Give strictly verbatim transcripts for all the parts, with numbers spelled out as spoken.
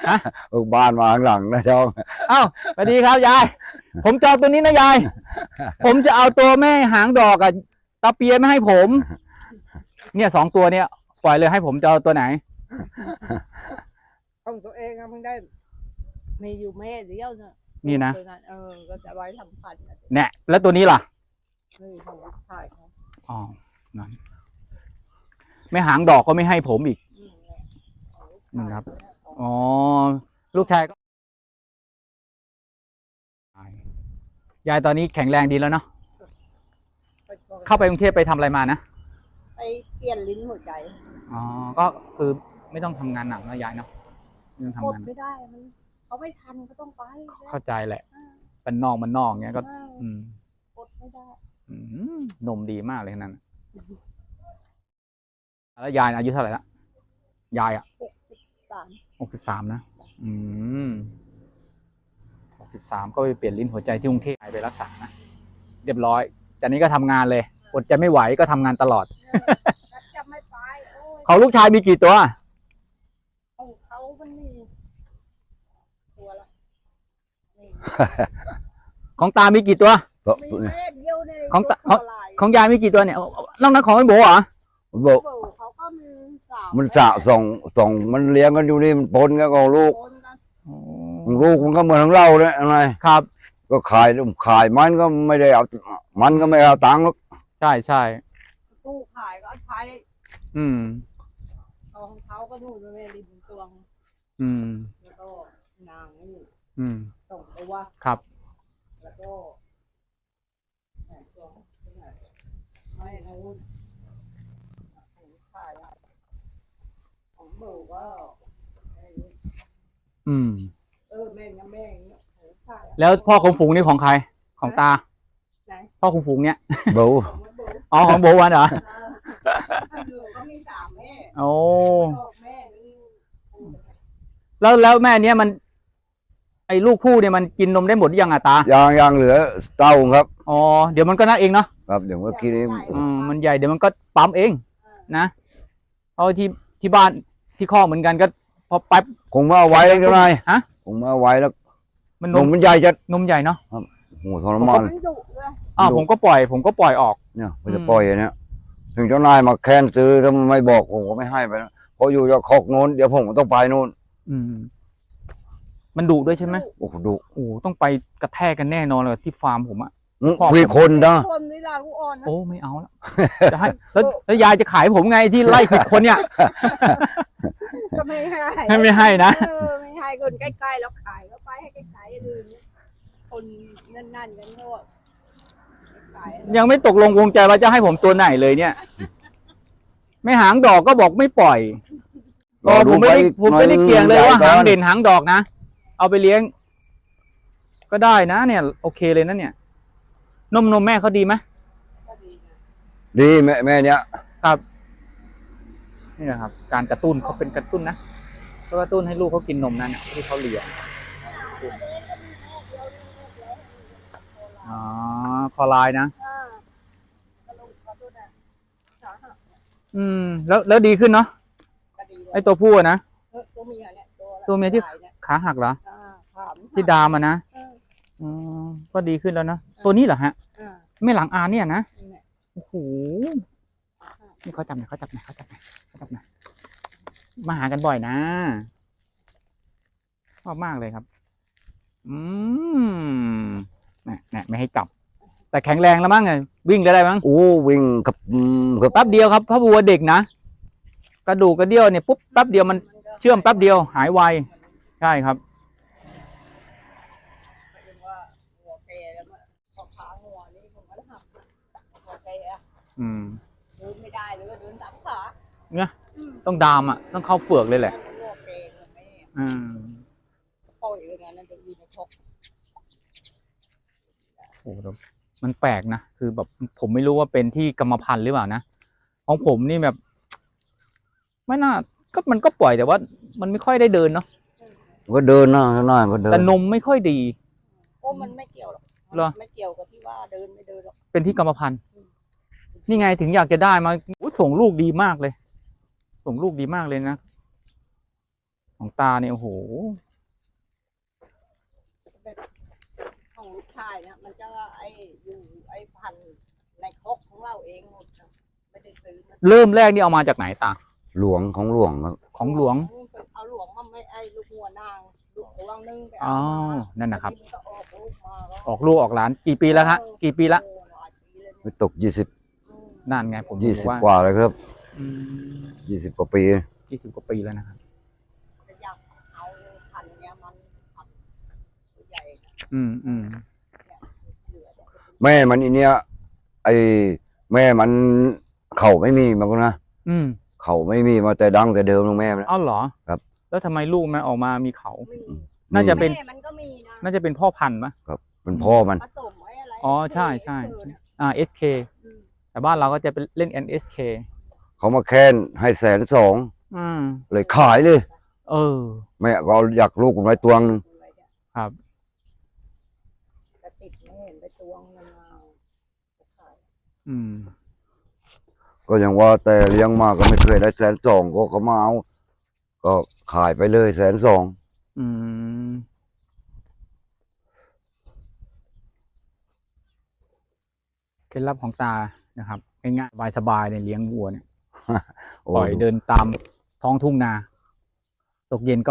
ฮะลูกบ้านมาข้างหลังนะช่องเอ้าสวัสดีครับยายผมจองตัวนี้นะยายผมจะเอาตัวแม่หางดอกกับตาเปียไม่ให้ผม เนี่ยสองตัวเนี่ยปล่อยเลยให้ผมจะเอาตัวไหนของตัวเองอะมันได้มีอยู่แม่เดียวเนอะนี่นะตัวเออก็จะไว้ทำพันธุ์เนี่ยแล้วตัวนี้ล่ะนี่ของลูกชายเขาอ๋อนั่นแม่หางดอกก็ไม่ให้ผมอีกอืมเนี่ยของลูกนั่นชายครับเนี่ยของอ๋อลูกชายก็ยายตอนนี้แข็งแรงดีแล้วเนาะไปก่อนเข้าไปกรุงเทพไปทำอะไรมานะไปเปลี่ยนลิ้นหัวใจอ๋อก็คือไม่ต้องทำงานหนักนะยายเนาะไม่ต้องกทำดงานไม่ได้มันเขาไม่ทันก็ต้องไปเข้าใจแหละอ่าเป็นนอกมันนอกเงี้ยก็อ่าอืมกดไม่ได้อืมนมดีมากเลยนั่นน่ะแล้วยายอายุเท่าไหร่ละยายอ่ะหกสิบสามหกสิบสามนะอืมหกสิบสามก็ไปเปลี่ยนลิ้นหัวใจที่กรุงเทพไปรักษานะเรียบร้อยจากนี้ก็ทำงานเลยอดจะไม่ไหวก็ทำงานตลอดแล้วจะไม่ไปโอ้ยเขาลูกชายมีกี่ตัวของเขามันมีตัวละนี่ของตามีกี่ตัวก็มีแม่เดียวในของตะยกลายของยายมีกี่ตัวเนี่ยนอกนั้นของไอ้โบเหรอบอกเบอร์เขาก็มีสามมันสะส่งส่งมันเลี้ยงกันอยู่นี่มันปนกันของลูกคนกันของลูกมันก็เหมือนของเราเนี่ยอะไรครับก็ขายขายมันก็ไม่ได้เอามันก็ไม่เอาตังค์หรอกใช่ใช่ตู้ขายก็ใช้อืมเอาของเขาก็นู่นแม่ริมตวงอืมแล้วก็นางนี่อืมส่งตัวครับแล้วก็แหม่ตัวไม่เอาของขายอะของเบอร์ก็ไอ้นี่อืมเออแม่งนะแม่งเนี่ยของขายอะแล้วพ่อของฝูงนี่ของใครของตาไหนพ่อของฝูงเนี่ยเบาของเบอร์อ๋อของโบวันเหรอเออเบอร์ก็มีสามแม่โอ้ก็แม่นี่แล้วแล้วแม่เนี้ยมัน ไอ้ลูกผู้เนี่ยมันกินนมได้หมดหรือยังอะตายางยางเหลือเต้าครับอ๋อเดี๋ยวมันก็นั่นเองเนาะครับเดี๋ยวเมื่อกี้นี้อืมมันใหญ่เดี๋ยวมันก็ปั๊มเองนะเพราะที่ที่บ้านที่ข้อกเหมือนกันก็พอแป๊บคงมาเอาไว้แล้วเจ้านายฮะคงมาเอาไว้แล้วมันนนมมมันใหญ่จะนมใหญ่เนาะโอ้โหทรมานมันดุเลยอ้าวผมก็ปล่อย ผมก็ปล่อยออกเนี่ยมันจะปล่อยอย่างเนี้ยถึงเจ้านายมาแค้นซื้อถ้ามันไม่บอกผมก็ไม่ให้ไปนะเพราะอยู่จะคอกโน้นเดี๋ยวผมก็ต้องไปโน้นอืม มันดุด้วยใช่ไหมโอ้โหดุโอ้ต้องไปกระแทกกันแน่นอนเลยที่ฟาร์มผมอะอื้อคอกมีคนนะคนนี่ล่ะลูกอ่อนนะโอ้ไม่เอาแล้วจะให้แล้วแล้วยายจะขายผมไงที่ไล่ผิดคนเนี่ยก็ไม่ให้ให้ไม่ให้นะเออไม่ให้คนใกล้ๆแล้วขายก็ไปให้ใกล้ๆอื่นคนนั่นๆกันก็ขายยังไม่ตกลงวงใจว่าจะให้ผมตัวไหนเลยเนี่ย ไม่หางดอกก็บอกไม่ปล่อยอ๋อผมไม่ได้ผมไม่ได้เกี่ยงเลยว่าหางเด่นหางดอกนะเอาไปเลี้ยง ก็ได้นะเนี่ย โอเคเลยนะเนี่ย นมนมแม่เขาดีไหมก็ดีนะดีแม่แม่เนี้ยครับนี่แหละครับ การกระตุ้นเขาเป็นกระตุ้นนะก็กระตุ้นให้ลูกเขากินนมนั่นน่ะที่เขาเลี้ยงอ๋อคอไลน์นะอ่าก็ลงเขาดูนะสาหัสอืม แล้วแล้วดีขึ้นเนาะก็ดีเลยไอตัวผู้อะนะเออตัวเมียเนี่ยตัวละตัวเมียที่ลานี่ขาหักเหรออ่าขามที่ดามอะนะเอออ๋อก็ดีขึ้นแล้วนะตัวนี้เหรอฮะอ่าไม่หลังอานเนี่ยนะนี่แหละโอ้โหนี่เขาจับหน่อยเขาจับหน่อยเขาจับหน่อยเขาจับหน่อยมาหากันบ่อยนะชอบมากเลยครับ อืมเนี่ยเนี่ยไม่ให้จับ แต่แข็งแรงแล้วมั้งไงวิ่งได้ได้มั้งโอ้วิ่งกับอืมกับแป๊บเดียวครับพระบัวเด็กนะกระดูกกระเดี่ยวเนี่ยปุ๊บแป๊บเดียวมันเชื่อมแป๊บเดียวหายไวใช่ครับหมายถึงว่าหัวเปรย์แล้วมันพอขาหัวนี่ผมก็หักหัวเปรย์อะอืมเดินไม่ได้เลยว่าเดินสามขาเนี่ยต้องดามอ่ะต้องเข้าเฟือกเลยแหละหัวเปรย์มันไม่อืมปล่อยเลยงั้นจะยืนในชกโอ้โหมันแปลกนะคือแบบผมไม่รู้ว่าเป็นที่กรรมพันธุ์หรือเปล่านะของผมนี่แบบ ไม่น่าก็มันก็ปล่อยแต่ว่า มันไม่ค่อยได้เดินเนาะก็เดินนะเจ้านายก็เดินแต่นมไม่ค่อยดีโอ้มันไม่เกี่ยวหรอกเหรอไม่เกี่ยวกับที่ว่าเดินไม่เดินหรอกเป็นที่กรรมพันธุ์นี่ไงถึงอยากจะได้มาอุ๊ยส่งลูกดีมากเลย ส่งลูกดีมากเลยนะของตาเนี่ยโอ้โหของลูกชายเนี่ยมันจะไอ้อยู่ไอ้พันธุ์ในครกของเราเองหมดนะไม่ได้ซื้อมาเริ่มแรกนี่เอามาจากไหนตาหลวงของหลวงครับของหลวงเอาหลวงมาไม่ไอ้ลูกหัวนางลูกหัวนึงไปอ๋เอาอมานั่นนะครับทีก็ออกลูกมาแล้วออกลูกออกหลานกี่ปีแล้วฮะกี่ปีละโอ้หลายปีเลยไม่ตกยี่สิบอืมนั่นไงผมยี่บอสิบกว่ากว่าเลยครับอืมยี่สิบกว่าปียี่สิบกว่าปีแล้วนะครับจะอยากเอาพันธุ์เนี้ยมันพันธุ์ตัวใหญ่นะอืมอืมเนี่ยเหลือเนี่ยแม่มันอีเนี้ยไอแม่มันเข่าไม่มีมันก็นะอืมเข่าไม่มีมาแต่ดังแต่เดิมลงแม่มันเอ้าเหรอครับแล้วทำไมลูกมันออกมามีเขามีน่าจะเป็นแม่มันก็มีนะน่าจะเป็นพ่อพันธุ์ปะครับเป็นพ่อมันผสมไว้อะไรอ๋อใช่ใช่เออเนี่ยอ่า เอส เคอืมแต่บ้านเราก็จะเป็นเล่น เอ็น เอส เคเขามาแค้นให้แสนสองอืมเลยขายเลยเออแม่ก็เอาอยากลูกผมไว้ตัวนึงครับแต่ติดไม่เห็นไปตวงมันมาขายอืมก็ยังว่าแต่เลี้ยงมาก็ไม่เคยได้แสนสองก็เขามาเอาก็ขายไปเลยแสนสองอืม เคล็ดลับของตานะครับง่ายๆสบายๆเนี่ยเลี้ยงวัวเนี่ยโอ้ปล่อยเดินตามท้องทุ่งนา ตกเย็นก็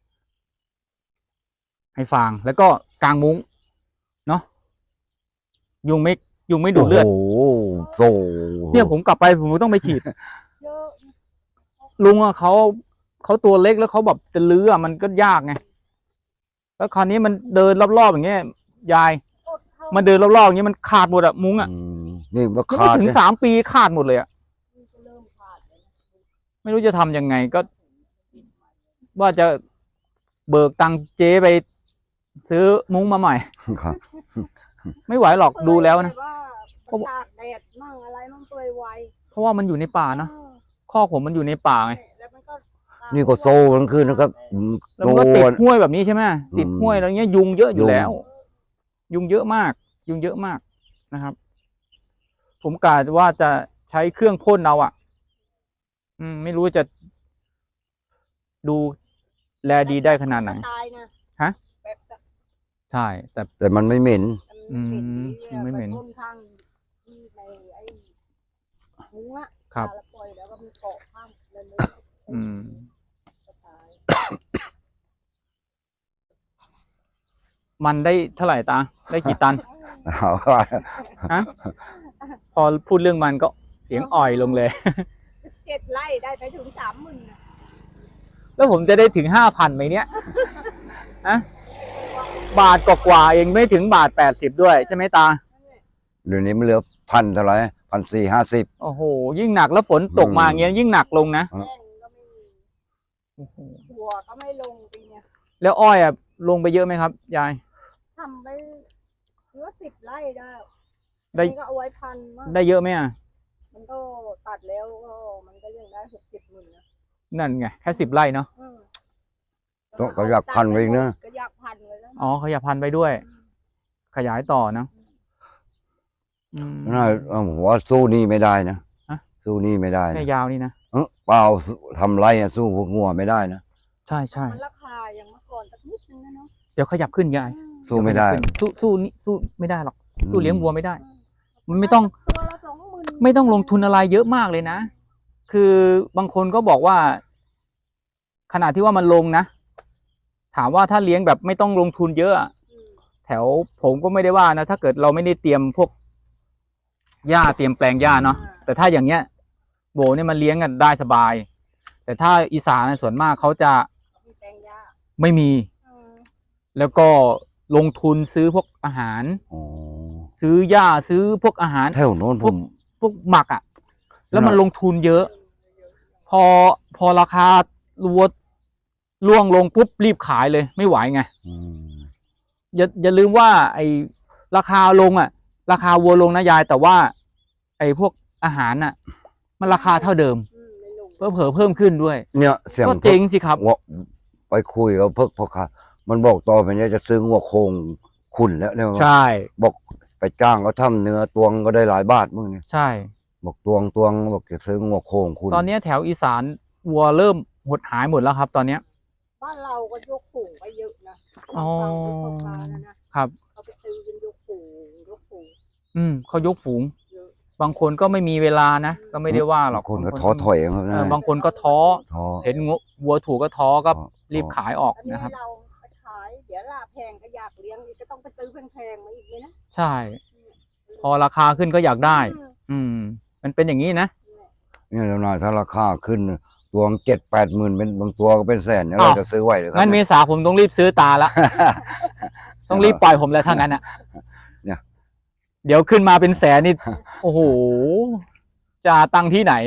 ให้ฟาง แล้วก็กางมุ้ง เนาะยุงไม่ยุงไม่ดูดเลือดโอ้โหโตเนี่ยผมกลับไปผมก็ต้องไปฉีดเยอะลุงอะเขาเขาตัวเล็กแล้วเขาแบบจะลื้ออะมันก็ยากไง แล้วคราวนี้มันเดินรอบๆอย่างเงี้ยยายอดเข้ามันเดินรอบๆอย่างเงี้ยมันขาดหมดอะมุ้งอะอืมนี่มันยังขาไม่ดถึงเนี่ยสามปีขาดหมดเลยอะมันจะเริ่มขาดเลยนะไม่รู้จะทำยังไงก็ ว่าจะเบิกตังค์เจ๊ไป ซื้อมุ้งมาใหม่ครับไม่ไหวหรอกดูแล้วนะว่าตากแดดมั่งอะไรมั่งเปื่อยไวเพราะว่ามันอยู่ในป่าเนอะเออข้อกผมมันอยู่ในป่าไงแล้วมันก็นี่ก็โซ่ทั้งคืนนะครับอืมแล้วมันก็ติดโน่นห้วยแบบนี้ใช่ไหมติดอืมห้วยแล้วเงี้ยยุงเยอะอยู่ยุงแล้ว ยุงเยอะมาก ยุงเยอะมากนะครับ ผมกะว่าจะใช้เครื่องพ่นเอาอ่ะ อืม ไม่รู้จะ ดูแลดีได้ขนาดไหนตายนะฮะแบบจะใช่ แต่แต่มันไม่เหม็นอืมไม่เหม็นปพ่ข้างที่ในไอ้มุ้งอะครับแล้วปล่อยแล้วก็มีเกาะข้างในมุ้งอืมก็ตายมันได้เท่าไหร่ตา ได้กี่ตันเอาว่าฮะ พอพูดเรื่องมันก็เสียงอ่อยลงเลยเจ็ดไร่ได้ไปถึงสามหมื่นนะแล้วผมจะได้ถึงห้าพันไหมเนี่ยฮะบาทกว่าๆเองไม่ถึงบาทแปดสิบด้วยใช่ไหมตาเดี๋ยวนี้มันเหลือพันเท่าไหร่พันสี่ห้าสิบโอ้โห ยิ่งหนักแล้วฝนตกมาอย่างเงี้ยยิ่งหนักลงนะแป้งก็ไม่มีหัวก็ไม่ลงปีเนี้ยแล้วอ้อยอ่ะลงไปเยอะไหมครับ ยายทำไปเหลือสิบไร่ได้ได้นี่ก็เอาไว้พันมากได้เยอะไหมอ่ะมันก็ตัดแล้วก็มันก็ยังได้หกเจ็ดหมื่นนะนั่นไงแค่สิบไร่เนาะอืมต้องก็อยากพันไว้อีกนะก็อยากพันไว้แล้วอ๋อขยายพันธุ์ไปด้วย ขยายต่อเนอะอืมน่าเอาผมว่าสู้หนี่ไม่ได้นะฮะสู้หนี่ไม่ได้นะแม่ยาวนี่นะเอ้อเปล่าทำไรอะสู้พวกงัวไม่ได้นะใช่ใช่มันราคายังเมื่อก่อนสักนิดนึงนะเนาะเดี๋ยวขยับขึ้นยายอืมสู้ไม่ได้เยวขยับขึ้นสู้สู้นี่สู้ไม่ได้หรอก สู้เลี้ยงวัวไม่ได้อืมันไม่ต้องตัวละสองหมื่นไม่ต้องลงทุนอะไรเยอะมากเลยนะ คือบางคนก็บอกว่า ขนาดที่ว่ามันลงนะ ถามว่าถ้าเลี้ยงแบบไม่ต้องลงทุนเยอะอะอืมแถวผมก็ไม่ได้ว่านะ ถ้าเกิดเราไม่ได้เตรียมพวกหญ้าเตรียมแปลงหญ้าเนาะ แต่ถ้าอย่างเงี้ย โบเนี่ยมันเลี้ยงกันได้สบาย แต่ถ้าอีสานส่วนมากเขาจะมีแปลงหญ้าไม่มีอืมแล้วก็ลงทุนซื้อพวกอาหารอ๋อซื้อหญ้าซื้อพวกอาหารแถวโน้นผมพวกหมักอะ่ะ แล้วมันลงทุนเยอะ พอพอราคาวัวล่วงลงปุ๊บรีบขายเลยไม่ไหวไงอืมอย่าอย่าลืมว่า ไอ้ราคาลงอ่ะ ราคาวัวลงนะยาย แต่ว่า ไอ้พวกอาหารน่ะ มันราคาเท่าเดิมอืมไม่ลงเพิ่มเผลอเพิ่มขึ้นด้วยเนี่ยเสียงก็เจ๊งสิครับว่าไปคุยกับเพิกพ่อค้ามันบอกต่อไปเนี่ยจะซื้องัวโคงขุนแล้วเนี่ยใช่บอกไปจ้างเขาทำเนื้อตวงก็ได้หลายบาทมึงเนี่ยใช่บอกตวงตวงบอกจะซื้องัวโคงขุนตอนนี้แถวอีสานวัวเริ่มหดหายหมดแล้วครับ ตอนเนี้ยบ้านเราก็ยกฝูงไปเยอะนะอ๋อฟังที่เขาพานะนะครับ เขาไปซื้อกันยกฝูงยกฝูงอืมเขายกฝูงเยอะบางคนก็ไม่มีเวลานะก็ไม่ได้ว่าหรอกบางคนก็บางท้อถอยครับเอนะอบางคนก็ท้อท้อเห็นงูวัวถูกก็ท้อก็ท้อรีบขายออกอันนี้นะครับเราไปขายเดี๋ยวลาแพงก็อยากเลี้ยงอีกก็ต้องไปซื้อแพงๆมาอีกเลยนะใช่ พอราคาขึ้นก็อยากได้อืมอืม มันเป็นอย่างนี้นะเนี่ยแล้วนายถ้าราคาขึ้นตัวเจ็ดแปดหมื่นเป็นบางตัวก็เป็นแสนเนี่ยอ้าวเราจะซื้อไหวหรือครังั้นเมเนี่ยษาผมต้องรีบซื้อตาละ ต้องรีบปล่อยผมแล้วถ้างั้นอ่ะเนี่ยเดี๋ยวขึ้นมาเป็นแสนนี่ โอ้โห จะตังค์ที่ไหน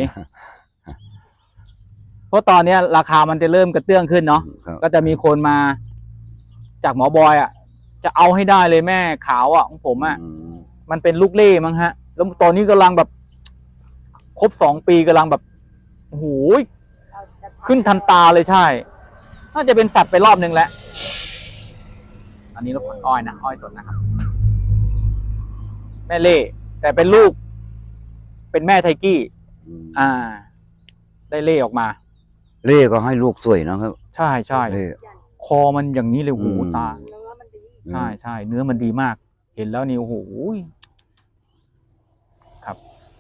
เพราะตอนเนี้ยราคามันจะเริ่มกระเตื้องขึ้นเนาะครับก็จะมีคนมาจากหมอบอยอ่ะ จะเอาให้ได้เลยแม่ขาวอ่ะของผมอ่ะอืมมันเป็นลูกเล่มั้งฮะ แล้วตอนนี้กำลังแบบ ครบสองปีกำลังแบบ โอ้โหเราจะทำขึ้นทันตาเลยใช่ น่าจะเป็นสัตว์ไปรอบนึงแล้ว อันนี้รถขนอ้อยนะ อ้อยสดนะครับ แม่เล่ แต่เป็นลูก เป็นแม่ไทกี้อืมอ่า ได้เล่ออกมาเล่ก็ให้ลูกสวยนะครับใช่ใช่เล่คอมันอย่างนี้เลยโอ้โหอืมตาเนื้อมันดีใช่ใช่เนื้อมันดีมาก เห็นแล้วนี่โอ้โหครับ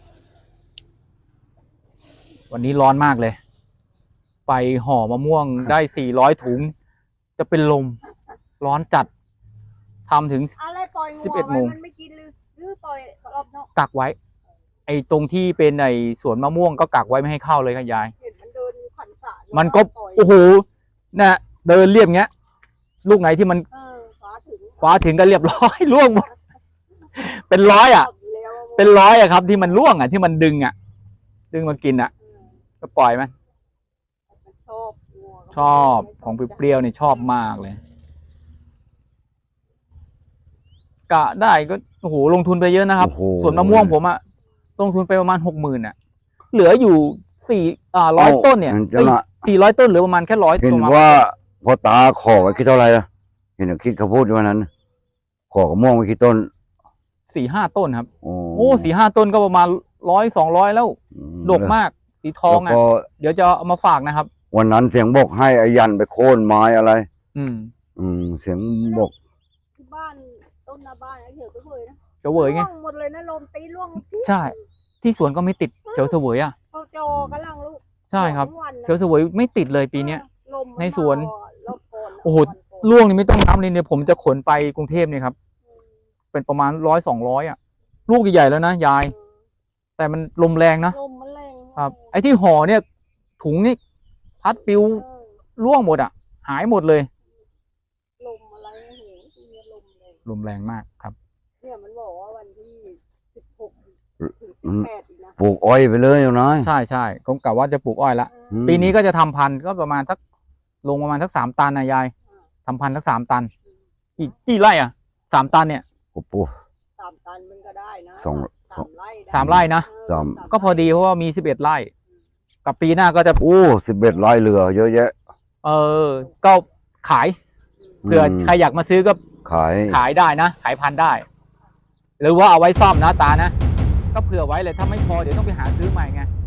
วันนี้ร้อนมากเลย ไปห่อมะม่วงได้สี่ร้อยถุง จะเป็นลม ร้อนจัดทำถึงอะไรปล่อยสิบงัวเอ็ดโมไว้งมันไม่กินหรือหรือปล่อยรอบนอกกักไว้ ไอ้ตรงที่เป็นไอ้สวนมะม่วงก็กักไว้ไม่ให้เข้าเลยครับยายเห็นมันเดินขันสระมันก็ปล่อยโอ้โหนะเดินเรียบเงี้ย ลูกไหนที่มันเออฟ้าถึงคว้าถึงก็เรียบร้อย ล่วงหมด เป็นร้อยอ่ะชบยู่แล้วว่าเป็นร้อยอะครับ ที่มันล่วงอ่ะที่มันดึงอ่ะ ดึงมากินอ่ะเออก็ปล่อยมันมันชอบงัวชอบของเปรี้ยวๆเนี่ยชอบมากเลย กะได้ก็โอ้โหลงทุนไปเยอะนะครับโอ้โหส่วนมะม่วงผมอะลงทุนไปประมาณหกหมื่นอะเหลืออยู่สี่อ่าร้อยต้นเนี่ยจะละสี่ร้อยต้นเหลือประมาณแค่ร้อยเห็นประมาณว่าพอตาขอไว้คิดเท่าไหร่ล่ะเห็นคิดเขาพูดวันนั้น ขอกระม่วงไว้คิดต้นสี่ห้าต้นครับโอ้โอ้สี่ห้าต้นก็ประมาณร้อยสองร้อยแล้วอืดกมาก สีทองแล้วอะก็เดี๋ยวจะเอามาฝากนะครับวันนั้นเสียงบอกให้อายันไปโค่นไม้อะไรอืมอืมเสียงบอกที่บ้านต้นหน้าบ้านไอ้เหี่ยวก็เลยนะเฉวยไงร่วงหมดเลยนะลมตีร่วงใช่ ที่สวนก็ไม่ติดเขียวเฉวยอะเขาจอกำลังลูกใช่ครับสองวันนะเขียวเฉวยไม่ติดเลยปีเนี้ยลมมัในสวนมาอ่ะรอบก่อนโอ้โหวันก่อนล่วงนี่ไม่ต้องน้ำเลยเนี่ยผมจะขนไปกรุงเทพเนี่ยครับ เป็นประมาณร้อยสองร้อยอะลูกใหญ่ๆแล้วนะยาย แต่มันลมแรงนะลมมันแรงครับ ไอ้ที่ห่อเนี่ย ถุงนี่พัดปลิวเออร่วงหมดอ่ะ หายหมดเลยลมอะไรโอ้โหที่เนี่ยลมแรงลมแรงมากครับเนี่ยมันบอกว่าวันที่สิบหกถึงอืสิบมแปดอีกนะปลูกอ้อยไปเลยอยู่นะใช่ใช่ผมกะว่าจะปลูกอ้อยละอืมปีนี้ก็จะทำพันธุ์ก็ประมาณสักลงประมาณสักสามตันนะยายทำพันธุ์สักสามตัน กี่กี่ไร่อ่ะสามตันเนี่ยโอ้ปลูกสามตันมันก็ได้นะสองสามไร่ด้สามไร่นะเออสามก็พอดีเพราะว่ามีสิบเอ็ดไร่ กับปีหน้าก็จะโอ้สิบเอ็ดไร่เรือเยอะแยะเออ ก็ขายเผื่อใครอยากมาซื้อก็ขายขายได้นะ ขายพันธุ์ได้ หรือว่าเอาไว้ซ่อมนะตานะ ก็เผื่อไว้เลยถ้าไม่พอเดี๋ยวต้องไปหาซื้อใหม่ไง